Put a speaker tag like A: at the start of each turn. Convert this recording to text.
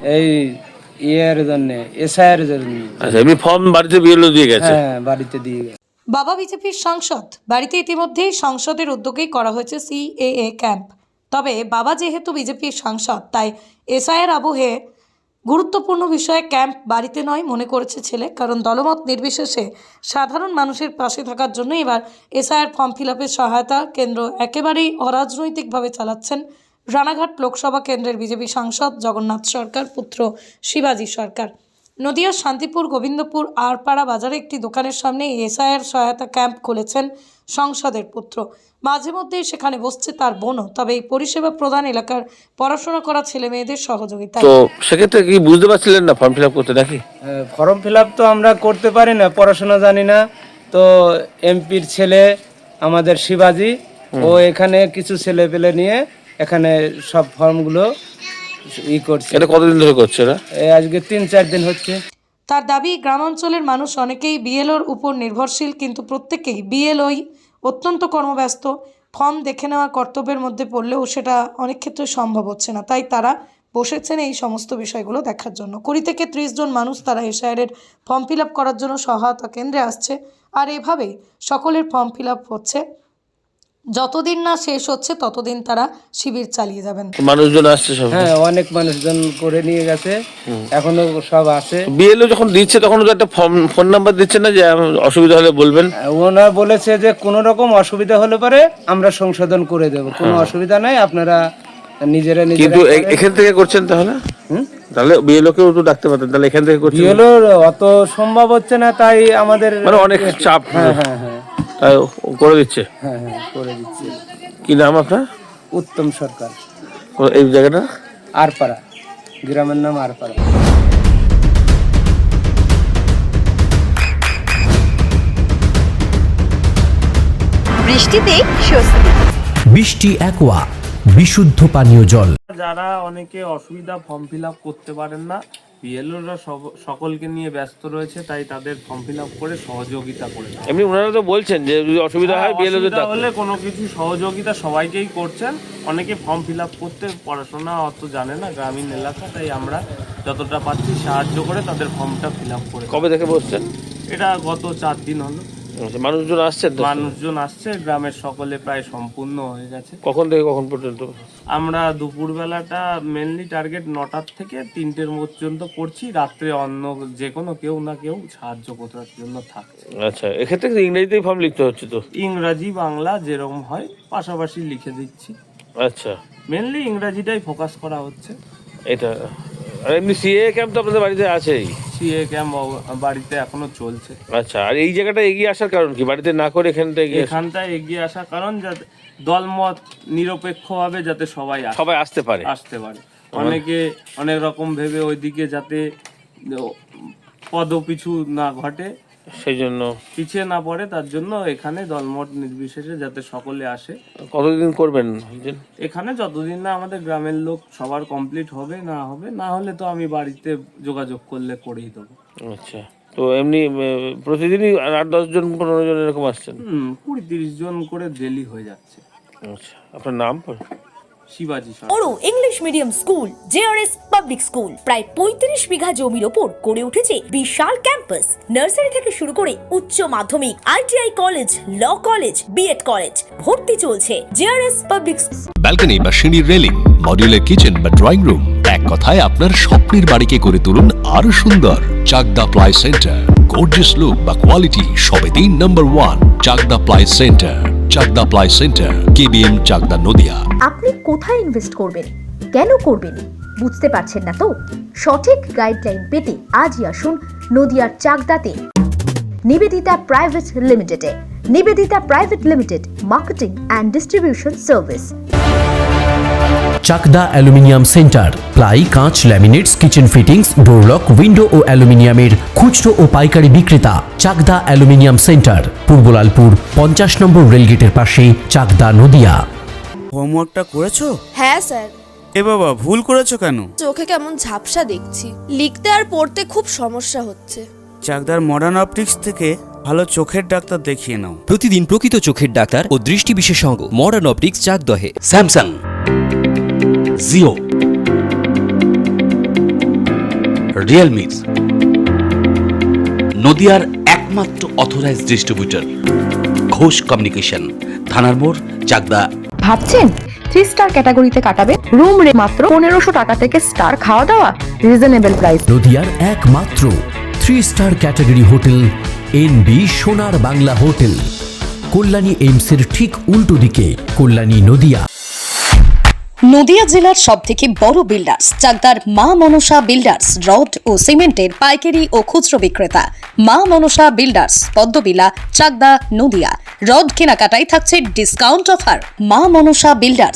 A: এই ইয়ের জন্য, এসআইয়ের জন্য।
B: আচ্ছা, এমনি ফর্ম বাড়িতে বিএলও দিয়ে গেছে?
A: হ্যাঁ, বাড়িতে দিয়ে গেছে।
C: বাবা বিজেপির সাংসদ, বাড়িতে ইতিমধ্যেই সংসদের উদ্যোগেই করা হয়েছে সিএএ ক্যাম্প। তবে বাবা যেহেতু বিজেপির সাংসদ, তাই এসআইয়ের আবহে গুরুত্বপূর্ণ বিষয়ে ক্যাম্প বাড়িতে নয় মনে করেছে ছেলে। কারণ দলমত নির্বিশেষে সাধারণ মানুষের পাশে থাকার জন্য এবার এসআইয়ের ফর্ম ফিল আপের সহায়তা কেন্দ্র একেবারেই অরাজনৈতিকভাবে চালাচ্ছেন রানাঘাট লোকসভা কেন্দ্রের বিজেপি সাংসদ জগন্নাথ সরকার পুত্র শিবাজী সরকার। নদিয়ার শান্তিপুর গোবিন্দপুর আরপাড়া বাজারে একটি দোকানের সামনে এসআইয়ের সহায়তা ক্যাম্প খুলেছেন সংসদের পুত্র। মাঝে মধ্যেই সেখানে বসছে তার বোনও। তবে এই পরিষেবা প্রদান এলাকার পড়াশোনা করা ছেলে মেয়েদের সহযোগিতা।
B: তো সেক্ষেত্রে কি বুঝতে পারছিলেন না ফর্ম ফিল আপ করতে নাকি?
A: ফর্ম ফিল আপ তো আমরা করতে পারি না, পড়াশোনা জানি না। তো এমপির ছেলে আমাদের শিবাজী, ও এখানে কিছু ছেলে পেলে নিয়ে এখানে সব ফর্মগুলো করছে।
B: এটা কতদিন ধরে করছে না?
A: আজকে 3-4 দিন হচ্ছে।
C: তার দাবি, গ্রামাঞ্চলের মানুষ অনেকেই বিএলওর উপর নির্ভরশীল, কিন্তু প্রত্যেকেই বিএলওই অত্যন্ত কর্মব্যস্ত। ফর্ম দেখে নেওয়া কর্তব্যের মধ্যে পড়লেও সেটা অনেক ক্ষেত্রে সম্ভব হচ্ছে না। তাই তারা বসেছেন এই সমস্ত বিষয়গুলো দেখার জন্য। 20 থেকে 30 জন মানুষ তারা এসআইয়ের ফর্ম ফিল আপ করার জন্য সহায়তা কেন্দ্রে আসছে। আর এভাবেই সকলের ফর্ম ফিল আপ হচ্ছে। যতদিন না শেষ হচ্ছে ততদিন তারা শিবির চালিয়ে যাবেন।
B: মানুষজন আসছে সব?
A: হ্যাঁ, অনেক মানুষজন করে নিয়ে গেছে, এখনো সব আছে।
B: বিএলও যখন দিচ্ছে তখন তো একটা ফোন নাম্বার দিচ্ছে না যে অসুবিধা হলে বলবেন?
A: ওনার বলেছে যে কোনো রকম অসুবিধা হলে পরে আমরা সংশোধন করে দেব, কোনো অসুবিধা নাই, আপনারা নিজেরা নিজেরা।
B: কিন্তু এখান থেকে করছেন তাহলে? তাহলে বিএলও কেও তো ডাকতে পারতেন, তাহলে এখান থেকে করছেন?
A: বিএলও অত সম্ভব হচ্ছে না, তাই আমাদের
B: মানে অনেক চাপ।
A: হ্যাঁ হ্যাঁ হ্যাঁ
B: তাই করে দিচ্ছে?
A: হ্যাঁ হ্যাঁ করে দিচ্ছে।
B: কি নাম আপনার?
A: উত্তম সরকার।
B: এই জায়গাটা?
A: আরপাড়া, গ্রামের নাম আরপাড়া।
D: বৃষ্টিতে স্বস্তি।
E: বৃষ্টি অ্যাকোয়া, বিশুদ্ধ পানীয় জল।
F: যারা অনেকে অসুবিধা ফর্ম ফিল আপ করতে পারেন না, বিএলওরা সকলকে নিয়ে ব্যস্ত রয়েছে, তাই তাদের ফর্ম ফিল আপ করে সহযোগিতা করে।
B: এমনি ওনারা তো বলছেন যে যদি অসুবিধা হয় বিএলও
F: হলে কোনো কিছু সহযোগিতা সবাইকেই করছেন। অনেকে ফর্ম ফিল আপ করতে পড়াশোনা অত জানে না, গ্রামীণ এলাকা, তাই আমরা যতটা পাচ্ছি সাহায্য করে তাদের ফর্মটা ফিল আপ করে।
B: কবে থেকে বসছেন?
F: এটা গত 4 দিন হলো।
B: মানুষজন আসছেন?
F: মানুষজন আসছে, গ্রামের সকলে প্রায় সম্পূর্ণ হয়ে গেছে।
B: কখন থেকে কখন পর্যন্ত?
F: আমরা দুপুরবেলাটা মেনলি টার্গেট 9টার থেকে 3টের পর্যন্ত করছি। রাত্রে অন্য যে কোনো কেউ না কেউ সাহায্য করার জন্য থাকছে।
B: আচ্ছা, এক্ষেত্রে ইংরেজিতেই ফর্ম লিখতে হচ্ছে তো?
F: ইংরাজি বাংলা যেরকম হয় পাশাপাশি লিখে দিচ্ছি।
B: আচ্ছা,
F: মেনলি ইংরাজিটাই ফোকাস করা হচ্ছে।
B: এটা আর এমনি সিএ ক্যাম্প তো আপনাদের বাড়িতে আছেই?
F: সিএ ক্যাম্প বাড়িতে এখনো চলছে।
B: আচ্ছা, আর এই জায়গাটা এগিয়ে আসার কারণ কি? বাড়িতে না করে
F: এখানটায় এগিয়ে আসার কারণ যাতে দলমত নিরপেক্ষভাবে যাতে সবাই
B: আসতে পারে।
F: অনেকে অনেক রকম ভেবে ওইদিকে যাতে পদপিছু না ঘটে,
B: সেই জন্য
F: পিছিয়ে না পড়ে, তার জন্য এখানে দলমত নির্বিশেষে যাতে সকলে আসে।
B: কতদিন করবেন
F: এখানে? যতদিন না আমাদের গ্রামের লোক সবার কমপ্লিট হবে, না হলে তো আমি বাড়িতে যোগাযোগ করলে করেই দেবো।
B: আচ্ছা, তো এমনি প্রতিদিনই 8-10 জন 15 জন এরকম আসছেন?
F: 20-30 জন করে ডেলি হয়ে যাচ্ছে।
B: আচ্ছা, আপনার নাম?
F: শিবাজী সরকার।
D: বড় English medium school JRS public school প্রায় 35 বিঘা জমির ওপর গড়ে উঠেছে বিশাল ক্যাম্পাস। নার্সারি থেকে শুরু করে উচ্চ মাধ্যমিক, ITI college, law college, B Ed college, ভর্তি চলছে জেআরএস পাবলিক।
G: ব্যালকনি বা সিঁড়ির রেলিং, মডিউলার কিচেন বা ড্রয়িং রুম, এক কথায় আপনার স্বপ্নের বাড়িকে করে তুলুন আরো সুন্দর। Chakdah ply centre, gorgeous look বা কোয়ালিটি সবে 3 number 1 Chakdah ply centre. Chakdah ply centre, KBM, Chakdah, Nadia.
H: আপনি কোথায় ইনভেস্ট করবেন, কেন করবেন বুঝতে পারছেন না তো? সঠিক গাইডলাইন পেতে আজই আসুন নদিয়ার চাকদাতে নিবেদিতা প্রাইভেট লিমিটেডে। Nivedita private limited, marketing and distribution service.
E: Chakdah aluminium centre, ply, কাঁচ, laminates, kitchen fittings, door lock, window ও অ্যালুমিনিয়ামের খুচরো ও পাইকারি বিক্রেতা। Chakdah aluminium centre, Purbalalpur 50 number রেলগেটের পাশে, চাকদা, নদিয়া।
I: হোমওয়ার্কটা করেছো?
J: হ্যাঁ স্যার।
I: এ বাবা, ভুল করেছো কেন?
J: চোখে কেমন ঝাপসা দেখছি, লিখতে আর পড়তে খুব সমস্যা হচ্ছে।
I: চাকদার মডার্ন অপটিক্স থেকে ভালো চোখের ডাক্তার দেখিয়ে নাও।
E: প্রতিদিন প্রকৃত চোখের ডাক্তার ও দৃষ্টি বিশেষজ্ঞ মডার্ন অপটিক্স, চাকদহে।
G: স্যামসাং, জিও,
K: রিয়েলমির নদিয়ার একমাত্র অথরাইজড ডিস্ট্রিবিউটর ঘোষ কমিউনিকেশন, থানার মোড়, চাকদা।
L: ভাবছেন 3 স্টার ক্যাটাগরিতে কাটাবে? রুম রে মাত্র 1500 টাকা থেকে স্টার, খাওয়া দাওয়া রিজনেবল প্রাইস।
E: নদিয়ার একমাত্র 3 স্টার ক্যাটাগরি হোটেল এনবি সোনার বাংলা হোটেল, কল্যাণী এইমসের ঠিক উল্টো দিকে, কল্যাণী নদিয়া।
C: নদিয়া জেলার সবথেকে বড় বিল্ডার্স চাকদার মা মনসা বিল্ডার্স, রড ও সিমেন্টের পাইকারি ও খুচরো বিক্রেতা। মা মনসা বিল্ডার্স, পদ্মবিলা, চাকদা, নদিয়া। রড কেনাকাটায় থাকছে ডিসকাউন্ট অফার। মা মনসা বিল্ডার্স।